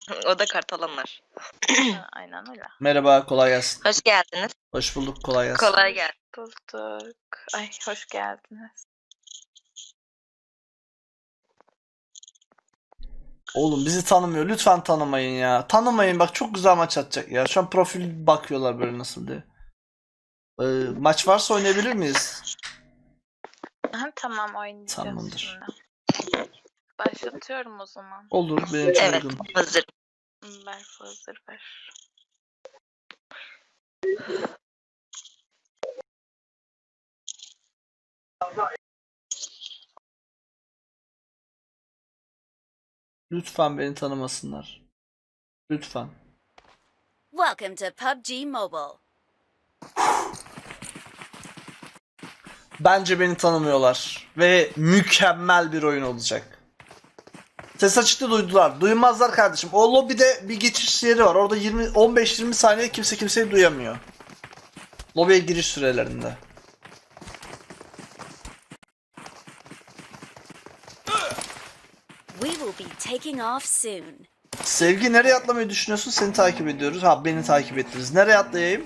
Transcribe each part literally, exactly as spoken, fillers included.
O da kartalanlar. Ha, aynen öyle. Merhaba, kolay gelsin. Hoş geldiniz. Hoş bulduk, kolay gelsin. Kolay gelsin. Bulduk. Ay hoş geldiniz. Oğlum bizi tanımıyor. Lütfen tanımayın ya. Tanımayın bak, çok güzel maç atacak ya. Şu an profil bakıyorlar böyle nasıl diye. Ee, maç varsa oynayabilir miyiz? Ha, tamam oynayacağız Tamamdır. şimdi. Başlatıyorum o zaman. Olur, benim için Evet, uygun. hazır. Berfu hazır ver. Lütfen beni tanımasınlar. Lütfen. Welcome to P U B G Mobile. Bence beni tanımıyorlar. Ve mükemmel bir oyun olacak. Ses açıkta duydular. Duymazlar kardeşim. O lobide bir geçiş yeri var. Orada yirmi on beş yirmi saniye kimse kimseyi duyamıyor. Lobiye giriş sürelerinde. We will be taking off soon. Sevgi, nereye atlamayı düşünüyorsun? Seni takip ediyoruz. Ha, beni takip ettiniz. Nereye atlayayım?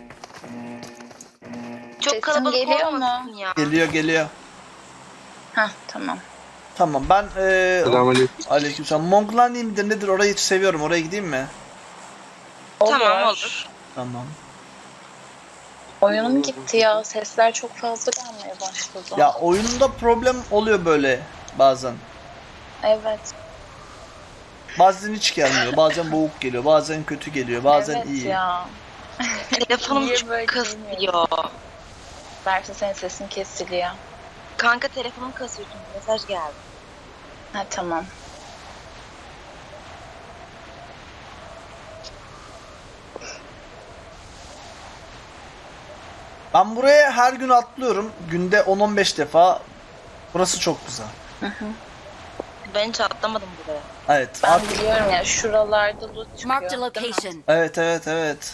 Çok Sesim kalabalık geliyor olmasın mu? ya. Geliyor geliyor. Hah tamam. Tamam, ben eee Selamünaleyküm. aleykümselam. Monglani midir nedir? Orayı hiç seviyorum. Oraya gideyim mi? Tamam, olur. Tamam. Oyunum gitti ya. Sesler çok fazla gelmeye başladı. Ya oyununda problem oluyor böyle bazen. Evet. Bazen hiç gelmiyor. Bazen boğuk geliyor. Bazen kötü geliyor. Bazen evet iyi. ya. Telefonum Niye çok böyle kasıyor. Berfu senin sesin kesiliyor. Kanka telefonum kasıyor çünkü mesaj geldi. Ha tamam. Ben buraya her gün atlıyorum. Günde on on beş defa. Burası çok güzel. Ben hiç atlamadım buraya. Evet. Ben At- biliyorum ya şuralarda loot çıkıyor. Marked a değil mi? location. Evet evet evet.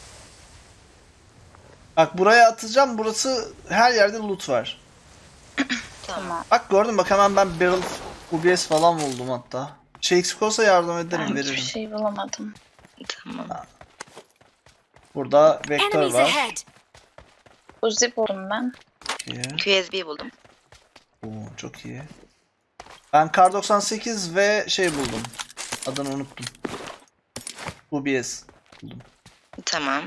Bak buraya atacağım. Burası her yerde loot var. Tamam. Tamam. Bak gördün, bak hemen ben barrel U B S falan buldum hatta. Şey eksik olsa yardım ederim, Ben veririm. hiçbir şey bulamadım. Tamam. Burada vektör Enemies var. ahead. Uzi buldum ben. İyi. Q S B buldum. Oo, çok iyi. Ben kar doksan sekiz ve şey buldum. Adını unuttum. U B S buldum. Tamam.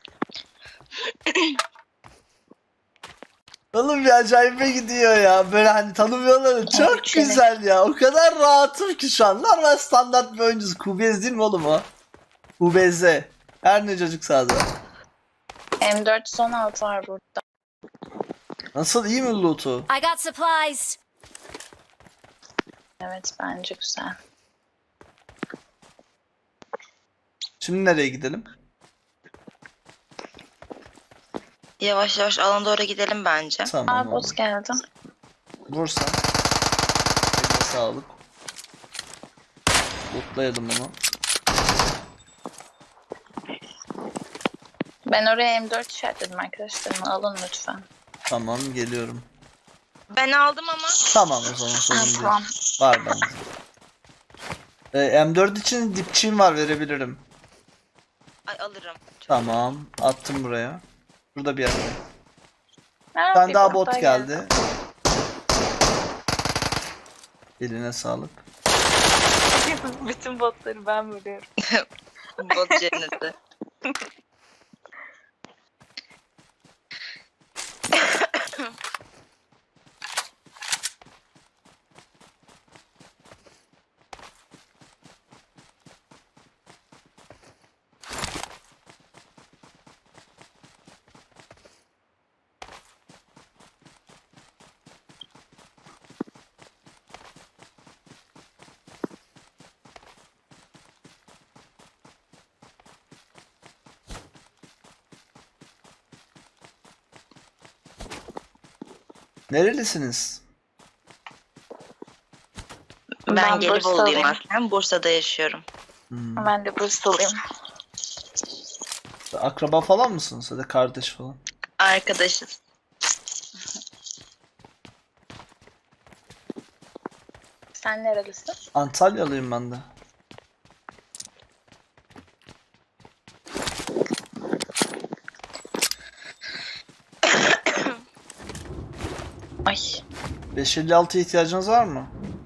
Oğlum bir acayip gidiyor ya. Böyle hani tanımıyorlar. Çok Evet, evet. güzel ya. O kadar rahatım ki şu an. Normal standart bir oyuncuyuz. Q B S değil mi oğlum o? U B Z. Her ne çocuk sağda. M dört yüz on altı var burada. Nasıl, iyi mi loot'u? I got supplies. Evet bence güzel. Şimdi nereye gidelim? Yavaş yavaş alana doğru gidelim bence. Tamam. Aa oldu. boss geldi. Vursan. Eline sağlık. Lootlayalım onu. Ben oraya M dört işaretledim arkadaşlarımı. Alın lütfen. Tamam, geliyorum. Ben aldım ama. Tamam, o zaman sorun Ha, değil. tamam. Var bende. Ee, M dört için dipçiğim var, verebilirim. Ay alırım. Çok Tamam, attım buraya. Burada bir yerde. Ha, Bir tane bir daha bot bot geldi. Eline sağlık. Bütün botları ben vuruyorum. bot cenneti. Nerelisiniz? Ben, Ben Gelibolu'luyum Bursalıyım. aslen. Bursa'da yaşıyorum. Hmm. Ben de Bursalıyım. Akraba falan mısınız? Ya da kardeş falan? Arkadaşız. Sen nerelisin? Antalyalıyım ben de. beş elli altıya ihtiyacınız var mı?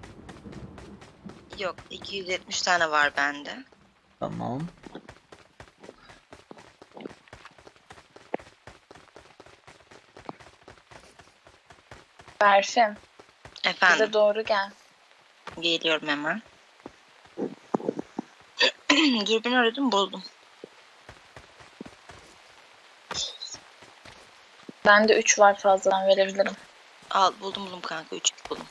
Yok, iki yüz yetmiş tane var bende. Tamam. Berfin, Efendim, bize doğru gel. geliyorum hemen. Dürbün aradım, buldum. Bende üç var, fazladan verebilirim. Al, buldum buldum kanka, üç buldum.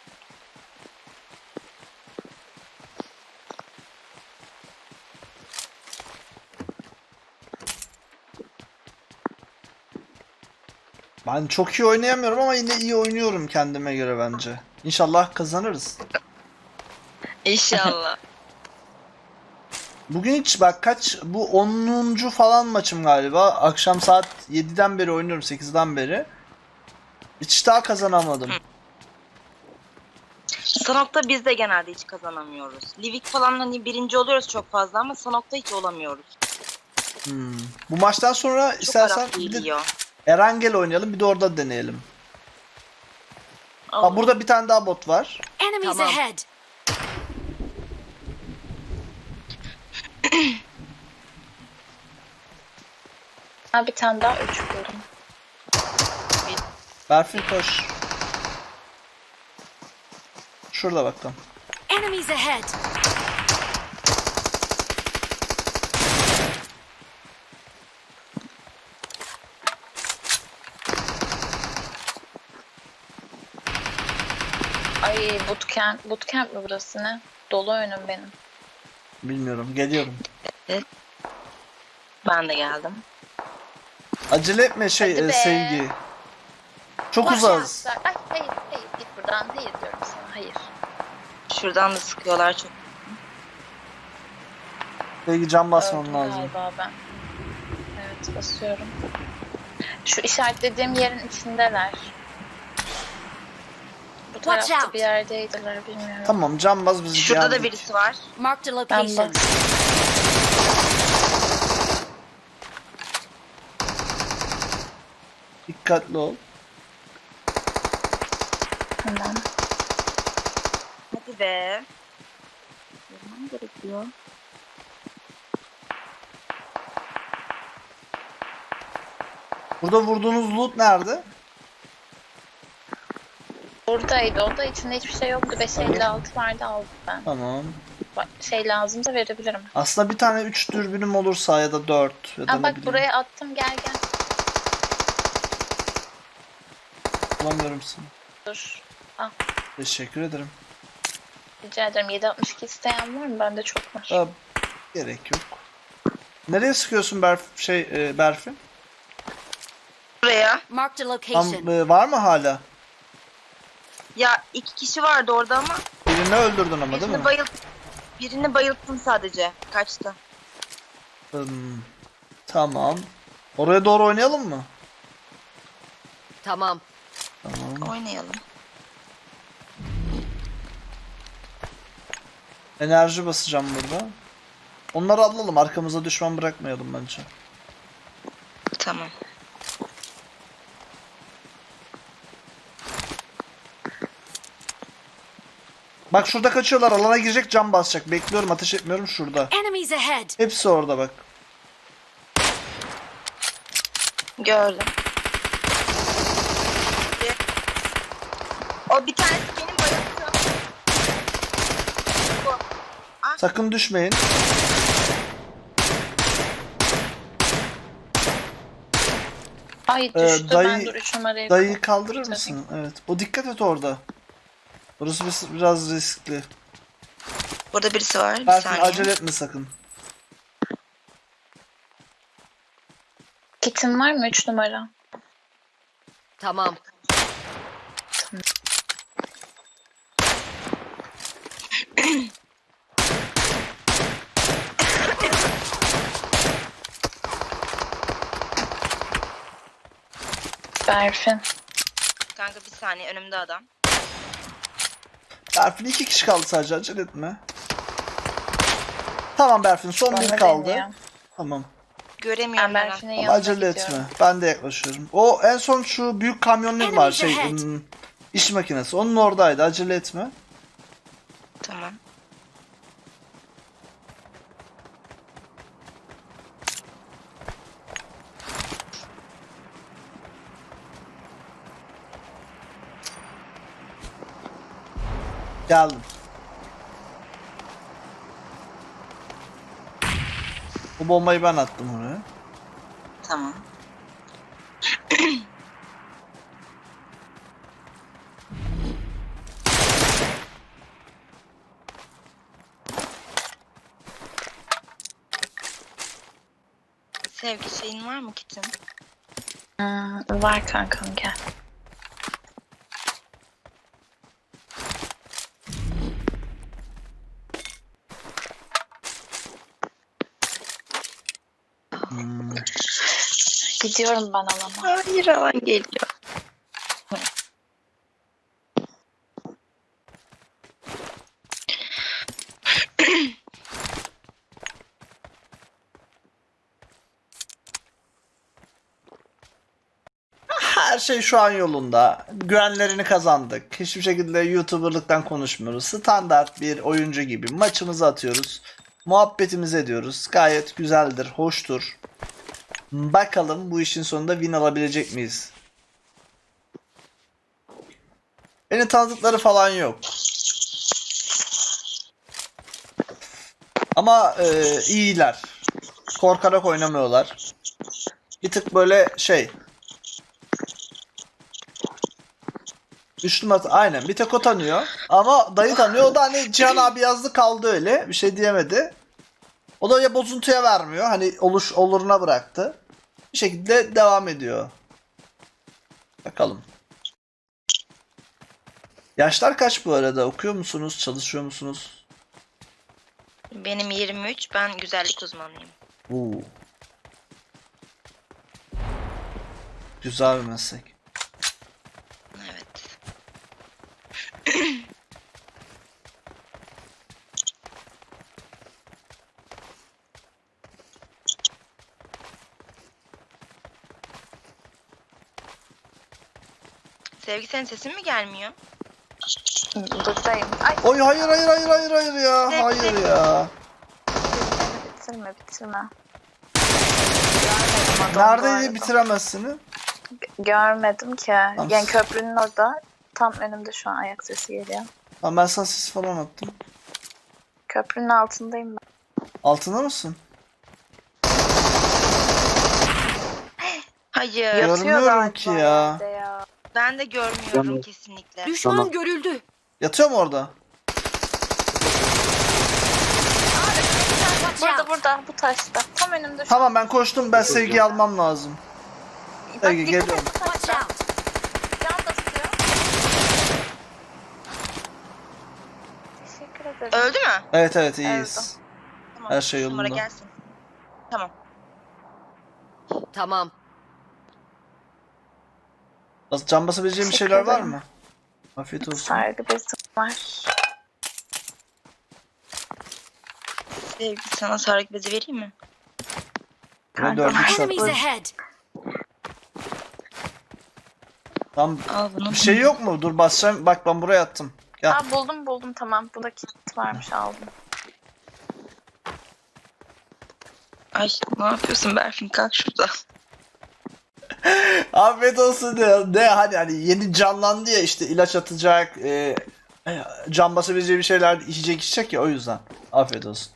Ben çok iyi oynayamıyorum ama yine iyi oynuyorum kendime göre bence. İnşallah kazanırız. İnşallah. Bugün hiç bak kaç bu onuncu falan maçım galiba. Akşam saat yediden beri oynuyorum, sekizden beri. Hiç daha kazanamadım. Sanok'ta biz de genelde hiç kazanamıyoruz. Livik falan hani birinci oluyoruz çok fazla ama Sanok'ta hiç olamıyoruz. Hmm. Bu maçtan sonra Çok istersen Arap bir de geliyor. Erangel oynayalım, bir de orada deneyelim. Ha, Olur. burada bir tane daha bot var. Enemies Tamam. ahead! Ha, bir tane daha üç buldum. Berfin koş. Şurada bakalım. Enemies ahead! Ay, bootcamp, bootcamp mi burası ne? Dolu önüm benim. Bilmiyorum, geliyorum. Ben de geldim. Acele etme şey Hadi e, be. sevgi. Çok Bak uzağız. ya, Ay hayır hayır, git buradan, hayır diyorum sana, hayır. Şuradan da sıkıyorlar çok. Sevgi can basman Öldüm lazım. galiba ben. Evet, basıyorum. Şu işaretlediğim yerin içindeler. Bu Watch tarafta out. bir yerdeydiler, bilmiyorum. Tamam, can bas bizi Şurada da yendik. birisi var. Marked a Ben location. bak. Dikkatli ol. Tamam. Hadi be. Yapmam gerekiyor. Burada vurduğunuz loot nerede? Buradaydı, o da içinde hiçbir şey yoktu. beş elli altı vardı, aldım ben. Tamam. Bak, şey lazımsa verebilirim. Aslında bir tane üç dürbünüm olursa ya da dört ya da Aa, ne bak bileyim. buraya attım, gel gel. Bulamıyorum seni. Dur. Teşekkür ederim. Rica ederim. yedi altmış iki isteyen var mı? Bende çok var. Aa, gerek yok. Nereye sıkıyorsun Berf şey e, Berfin? Buraya. Marked a Tam, location. e, var mı hala? Ya iki kişi vardı orada ama Birini öldürdün ama değil birini mi? bayılt birini bayılttım sadece. Kaçtı. Hmm, tamam. Oraya doğru oynayalım mı? Tamam. Tamam. Oynayalım. Enerji basacağım burada. Onları alalım, arkamıza düşman bırakmayalım bence. Tamam. Bak şurada kaçıyorlar, alana girecek, cam basacak. Bekliyorum, ateş etmiyorum şurada. Enemies ahead! Hepsi orada bak. Gördüm. O bir tanesi benim bayılttığım. Bu. Sakın düşmeyin. Ay Ee, düştü. dayı- ben dur üç numarayı Dayıyı kaldırır Tabii. mısın? Evet. O dikkat et orada. Burası bis- biraz riskli. Burada birisi var. Bir Berfin saniye. acele etme sakın. Kitin var mı üç numara? Tamam. Berfin. Kanka bir saniye, önümde adam. Berfin iki kişi kaldı sadece, acele etme. Tamam Berfin, son Bana bir kaldı. deniyor. Tamam. Göremiyorum Ben ben. Berfin'in Ama yanına acele gidiyorum. etme. Ben de yaklaşıyorum. O en son şu büyük kamyonlu var Enemies şey. ahead. hmm, İş makinesi. Onun oradaydı. Acele etme. Tamam. Geldim. Bu bombayı ben attım oraya. Tamam. Sevgi şeyin var mı kitin? Hmm, var kankam gel. Hmm. Gidiyorum ben alana. Hayır, alan geliyor. Her şey şu an yolunda. Güvenlerini kazandık. Hiçbir şekilde YouTuber'lıktan konuşmuyoruz. Standart bir oyuncu gibi maçımızı atıyoruz. Muhabbetimizi ediyoruz. Gayet güzeldir, hoştur. Bakalım bu işin sonunda win alabilecek miyiz? Beni tanıdıkları falan yok. Ama e, iyiler. Korkarak oynamıyorlar. Bir tık böyle şey... Üçlü masa aynen, bir tek o tanıyor. Ama dayı tanıyor. O da hani Cihan abi yazdı kaldı öyle. Bir şey diyemedi. O da ya bozuntuya vermiyor. Hani oluş oluruna bıraktı. Bir şekilde devam ediyor. Bakalım. Yaşlar kaç bu arada? Okuyor musunuz? Çalışıyor musunuz? Benim yirmi üç, ben güzellik uzmanıyım. Oo. Güzel bir meslek. Evet. Sevgi, senin sesin mi gelmiyor? Buradayım. Ay Oy hayır hayır hayır hayır hayır ya. Hayır ya. bitirme bitirme. Neredeydi bitiremezsiniz? Görmedim ki. Yani köprünün orada. Tam önümde şu an ayak sesi geliyor. Tamam, ben sana sis falan attım. Köprünün altındayım ben. Altında mısın? Hayır. Görmüyorum Yatıyor galiba ki ya. yerde ya. Ben de görmüyorum kesinlikle. Düşman Tamam. görüldü. Yatıyor mu orada? Watch Burada out. burada bu taşta. Tam önümde şu Tamam, ben koştum. Ben sevgiyi almam lazım. Bak, Sevgi dikkat geliyorum. et bu Watch taşta. out. Can basıyor. Teşekkür ederim. Öldü mü? Evet evet iyiyiz. Tamam. Her şey üç numara yolunda. gelsin. Tamam. Tamam. Bas- Can basabileceğim bir Teşekkür şeyler var ederim. mı? Afiyet olsun. Sargı bezim var. Sevgi, sana sargı bezi vereyim mi? Böyle dördüncü şart. Enemies ahead. Tam Al bunu. bir şey yok mu? Dur basacağım. Bak ben buraya attım. Gel. Aa buldum buldum tamam. Bu da kit varmış aldım. Ay, ne yapıyorsun Berfin? Kalk şurada. Afiyet olsun diyor. Ne hani hani yeni canlandı ya, işte ilaç atacak. E, e, can basabileceği bir şeyler içecek içecek ya, o yüzden. Afiyet olsun.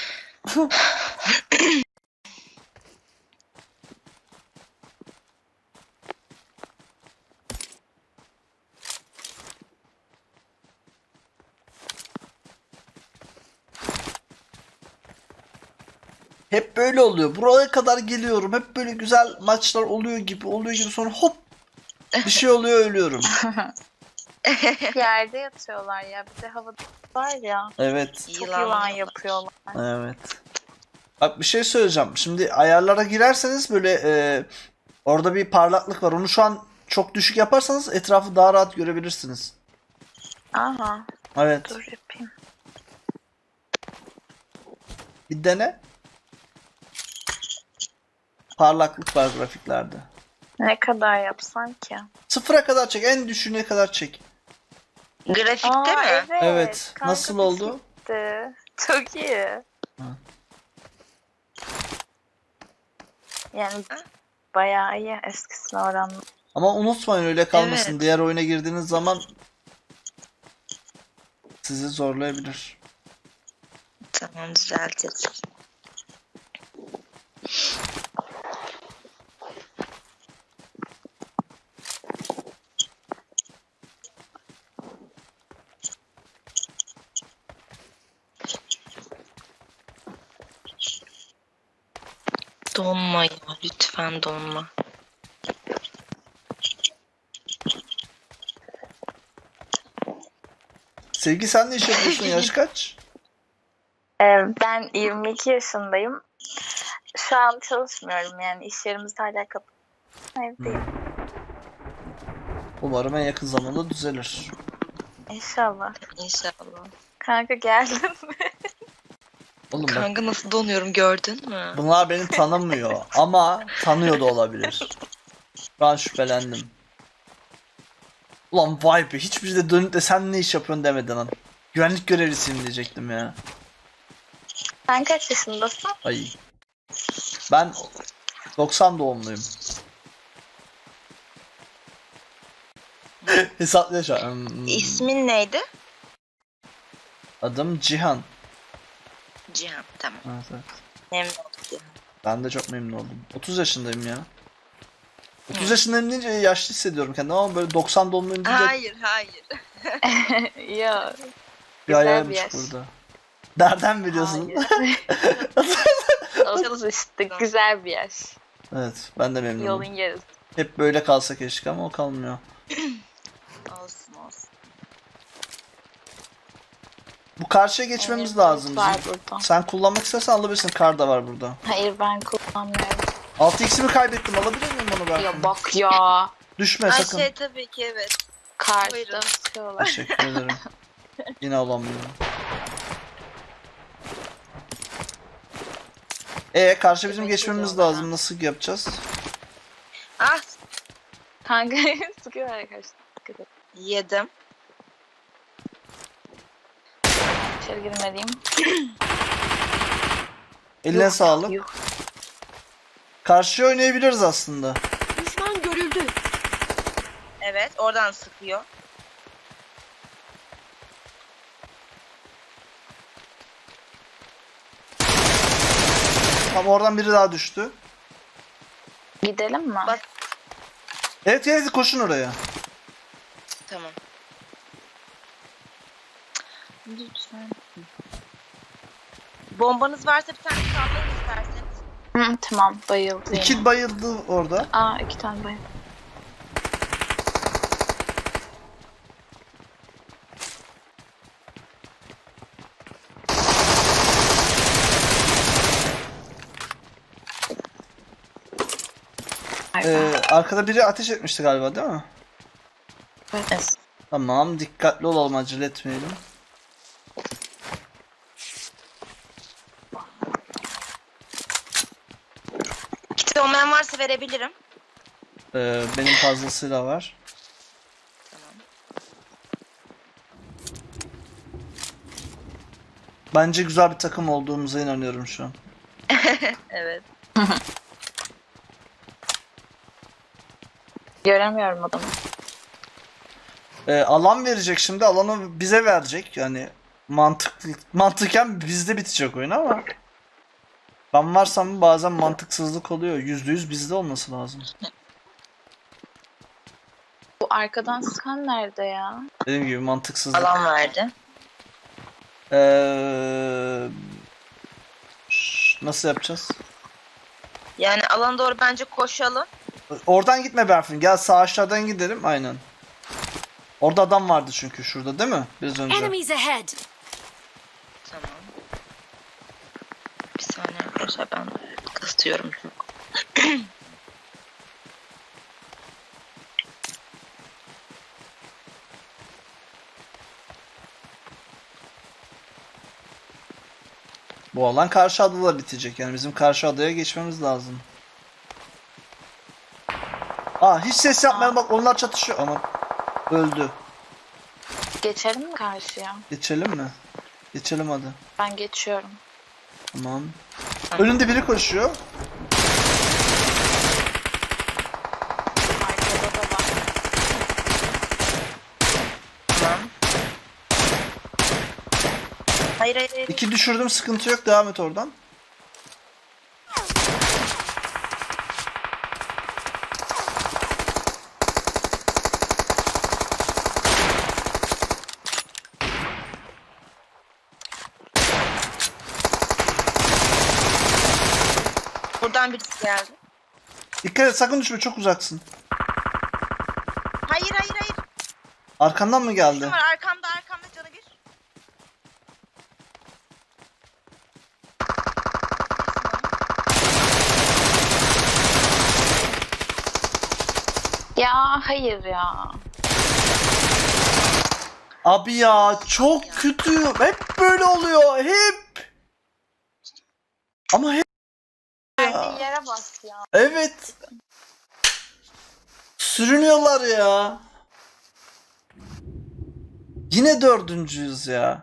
Hep böyle oluyor. Buraya kadar geliyorum. Hep böyle güzel maçlar oluyor gibi, oluyor gibi, sonra hop bir şey oluyor, ölüyorum. Bir yerde yatıyorlar ya. Bir de havada var ya. Evet. Çok Yılan yılan yiyorlar. yapıyorlar. Evet. Bak bir şey söyleyeceğim. Şimdi ayarlara girerseniz böyle e, orada bir parlaklık var. Onu şu an çok düşük yaparsanız etrafı daha rahat görebilirsiniz. Aha. Evet. Dur yapayım. Bir dene. Parlaklık var grafiklerde. Ne kadar yapsan ki? Sıfıra kadar çek. En düşüğüne kadar çek. Grafikte Aa, mi? evet. Evet. Kanka Nasıl oldu? gitti. Çok iyi. Ha. Yani bayağı iyi eskisine oranla. Ama unutmayın öyle kalmasın. Evet. Diğer oyuna girdiğiniz zaman sizi zorlayabilir. Tamam, düzelteceğiz. Donma ya, lütfen donma. Sevgi sen ne iş yapıyorsun? Yaş kaç? Ee, ben yirmi iki yaşındayım. Şu an çalışmıyorum yani iş yerimiz hala kapalı. Evdeyim. Umarım en yakın zamanda düzelir. İnşallah. İnşallah. Kanka geldin mi? Oğlum bak, Kanka nasıl donuyorum, gördün mü? bunlar beni tanımıyor ama tanıyor da olabilir. Ben şüphelendim. Ulan vay be, hiçbir de dönüp de sen ne iş yapıyorsun demeden lan. Güvenlik görevlisiyim diyecektim ya. Sen kaç yaşındasın? Ay. Ben doksan doğumluyum. Hesaplı şu an. Hmm. İsmin neydi? Adım Cihan. Cihan, tamam. Evet, evet. Memnun oldum Cihan. Ben de çok memnun oldum. otuz yaşındayım ya. otuz yaşındayım deyince yaşlı hissediyorum kendimi ama böyle doksan doğumluyum deyince Hayır, hayır. Ya. bir güzel ayağım bir yaş. burada. Nereden biliyorsun? otuz işte güzel bir yaş. Evet, ben de memnunum. Yolun yarısı. Hep böyle kalsa keşke ama o kalmıyor. Olsun olsun. Bu karşıya geçmemiz Evet, lazım var bizim. burada. Sen kullanmak istersen alabilirsin. Kar da var burada. Hayır ben kullanmıyorum. altı x'imi kaybettim. Alabilir miyim onu ben? Ya bak ya. Düşme Ay sakın. şey, tabii ki evet. Karşıda Buyurun. sıkıyorlar. Teşekkür ederim. Yine alamıyorum. E karşı bizim Yemek geçmemiz yiyorlar lazım. Nasıl yapacağız? Ah, Kanka sıkıyorlar arkadaşlar. Dikkat et. yedim. İçeri girmeliyim. Eline Yuh, sağlık. yuh. Karşıya oynayabiliriz aslında. Düşman görüldü. Evet, oradan sıkıyor. Tam oradan biri daha düştü. Gidelim mi? Bak. Evet evet koşun oraya. Tamam. Lütfen. Bombanız varsa bir tane sallayın isterseniz. Hı, tamam bayıldı yine. İki bayıldı orada. Aa iki tane bayıldı. Ee, arkada biri ateş etmişti galiba değil mi? Evet. Tamam, dikkatli olalım, acele etmeyelim. Kit olmayan varsa verebilirim. Ee, benim fazlasıyla var. Tamam. Bence güzel bir takım olduğumuza inanıyorum şu an. Evet. Göremiyorum adamı. Ee, alan verecek şimdi, alanı bize verecek. Yani mantıklı mantıken bizde bitecek oyun ama ben varsam bazen mantıksızlık oluyor. Yüzde yüz bizde olması lazım. Bu arkadan sıkan nerede ya? Dediğim gibi mantıksızlık. Alan verdi. Ee, ş- nasıl yapacağız? Yani alana doğru bence koşalım. Oradan gitme Berfin. Gel sağ aşağıdan gidelim. Aynen. Orada adam vardı çünkü şurada değil mi? Biraz önce. Enemies ahead. Tamam. Bir saniye arkadaşlar, ben kastıyorum çok. Bu alan karşı adada bitecek. Yani bizim karşı adaya geçmemiz lazım. Aa hiç ses yapmayalım, bak onlar çatışıyor ama öldü. Geçelim mi karşıya? Geçelim mi? Geçelim hadi. Ben geçiyorum. Tamam. Önünde biri koşuyor. Arkada da var. Tamam. Hayır hayır hayır. İki düşürdüm, sıkıntı yok, devam et oradan. Buradan birisi geldi. Dikkat et, sakın düşme, çok uzaksın. Hayır hayır hayır. Arkandan mı geldi? Kim var arkamda arkamda canı bir. Ya hayır ya. Abi ya çok kötü. Hep böyle oluyor. Hep. Ama hep. Verdiği yere bas ya. Evet. Sürünüyorlar ya. Yine dördüncüyüz ya.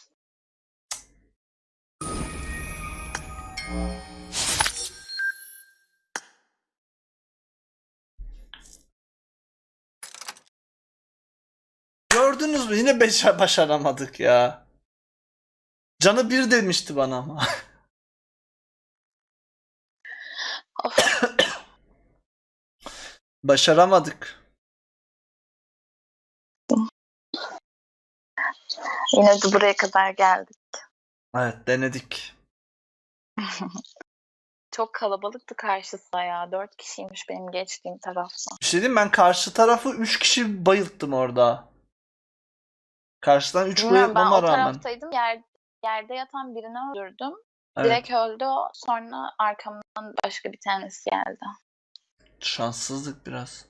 Gördünüz mü? Yine beş başaramadık ya. Canı bir demişti bana ama. Of. Başaramadık. Yine de buraya kadar geldik. Evet, denedik. Çok kalabalıktı karşısı ya. Dört kişiymiş benim geçtiğim tarafta. Bir şey diyeyim, ben karşı tarafı üç kişi bayılttım orada. Karşıdan üç Bilmiyorum, ben bayıltmama o rağmen. taraftaydım. Yer, yerde yatan birini öldürdüm. Evet. Direkt öldü o. Sonra arkamdan başka bir tanesi geldi. Şanssızlık biraz.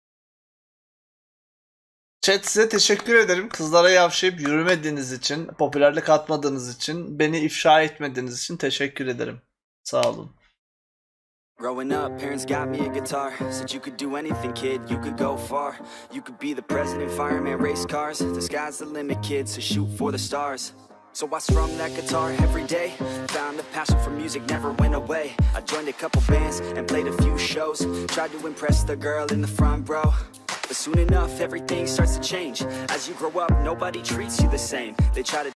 Chat, size teşekkür ederim. Kızlara yavşayıp yürümediğiniz için, popülerlik atmadığınız için, beni ifşa etmediğiniz için teşekkür ederim. Sağ olun. Growing up, parents got me a guitar. Said you could do anything, kid, you could go far. You could be the president, fireman, race cars. The sky's the limit, kid, so shoot for the stars. So I strummed that guitar every day. Found a passion for music, never went away. I joined a couple bands and played a few shows. Tried to impress the girl in the front row. But soon enough, everything starts to change. As you grow up, nobody treats you the same. They try to